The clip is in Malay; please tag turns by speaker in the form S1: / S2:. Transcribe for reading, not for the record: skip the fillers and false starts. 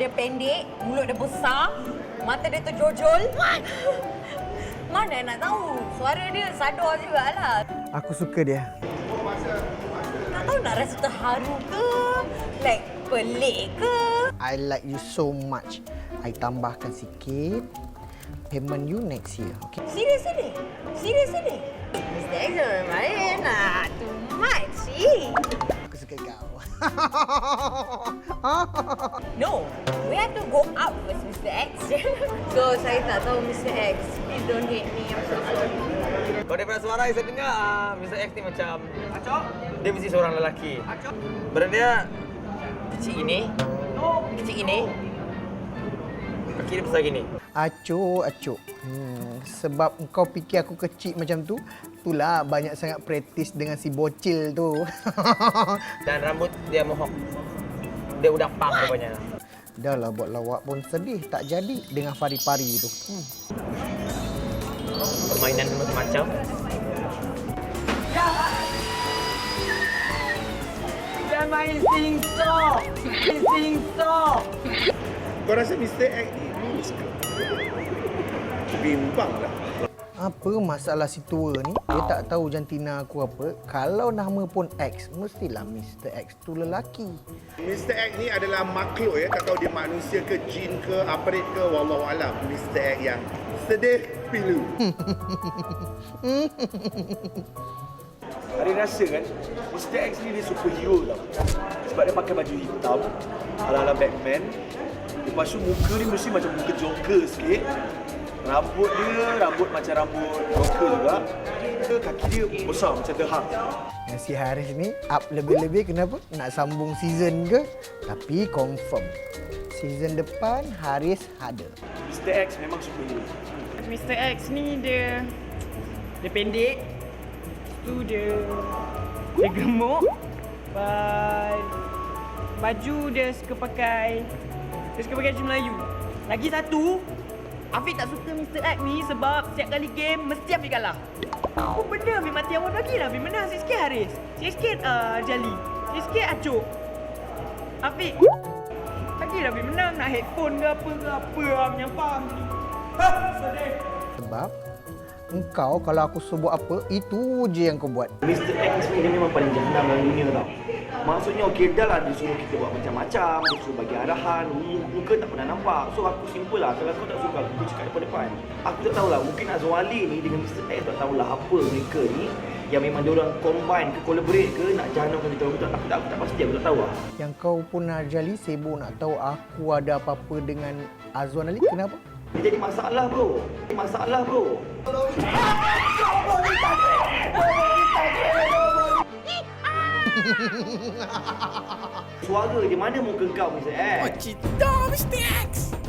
S1: dia pendek, mulut dia besar, mata dia terjojol. Mana nak tahu? Suara dia sadar jugalah.
S2: Aku suka dia.
S1: Tak tahu nak rasa terharu ke, like pelik ke.
S2: I like you so much. I tambahkan sikit. Payment you next year, okay?
S1: Serius ni? Mr. X jangan main lah. Too much,
S2: Aku suka kau.
S1: No, we have to go out first, Mr. X. So, saya tak tahu, Mr. X. Please don't hate me. I'm so sorry.
S3: Kalau daripada suara saya dengar, Mr. X ni macam dia mesti seorang lelaki. Badan dia kecil gini. Kaki dia besar gini.
S2: Acuk. Sebab engkau fikir aku kecil macam tu, itulah banyak sangat praktis dengan si bocil tu.
S3: Dan rambut dia mohawk. Dia udah pang rupanya.
S2: Dah lah buat lawak pun sedih tak jadi dengan pari-pari tu.
S3: Permainan macam-macam.
S4: Dia main sing-song.
S5: Kau rasa Mr. X ni lulus ke? Bimbang lah.
S2: Apa masalah si tua ni? Dia tak tahu jantina aku apa. Kalau nama pun X, mestilah Mr. X tu lelaki.
S5: Mr. X ni adalah makhluk ya. Tak tahu dia manusia ke, jin ke, aparate ke, wallahualam. Mr. X yang sedih pilu.
S4: Ada rasa kan, Mr. X ni dia superhero tau. Sebab dia pakai baju hitam, ala-ala Batman. Lepas tu muka ni mesti macam muka Joker sikit. Rambut macam rambut Joker juga. Kaki dia besar macam The Hulk.
S2: Yang si Haris ni up lebih-lebih kenapa? Nak sambung season ke? Tapi confirm. Season depan Haris ada.
S4: Mr. X memang superhero.
S6: Mr. X ni dia pendek. Tu dia gemuk. Baju dia suka pakai baju Melayu. Lagi satu, Afiq tak suka Mr. X ni sebab setiap kali game mesti Afiq kalah. Apa benda Afiq mati awal lagi lah. Afiq menang sikit Haris. Sikit Jali. Sikit Acuk. Afiq lagi lah Afiq menang. Nak headphone ke apa menyampang ni. Sedih.
S2: Sebab engkau kalau aku sebut apa, itu je yang kau buat.
S4: Mr. X ni dia memang paling jahanam dalam dunia tau. Maksudnya okey dah lah dia suruh kita buat macam-macam, dia suruh bagi arahan, muka tak pernah nampak. So aku simple lah, kalau kau tak suka aku cakap depan-depan. Aku tak tahulah, mungkin Azwali ni dengan Mr. X tak tahulah apa mereka ni yang memang diorang combine ke collaborate ke nak jahanamkan kita orang. Aku tak pasti, aku tak tahu lah.
S2: Yang kau pun Narjali sibuk nak tahu aku ada apa-apa dengan Azwan Ali, kenapa?
S4: Dia jadi masalah bro. Suara dia mana muka kau Mr. X?
S6: Cita Mr. X.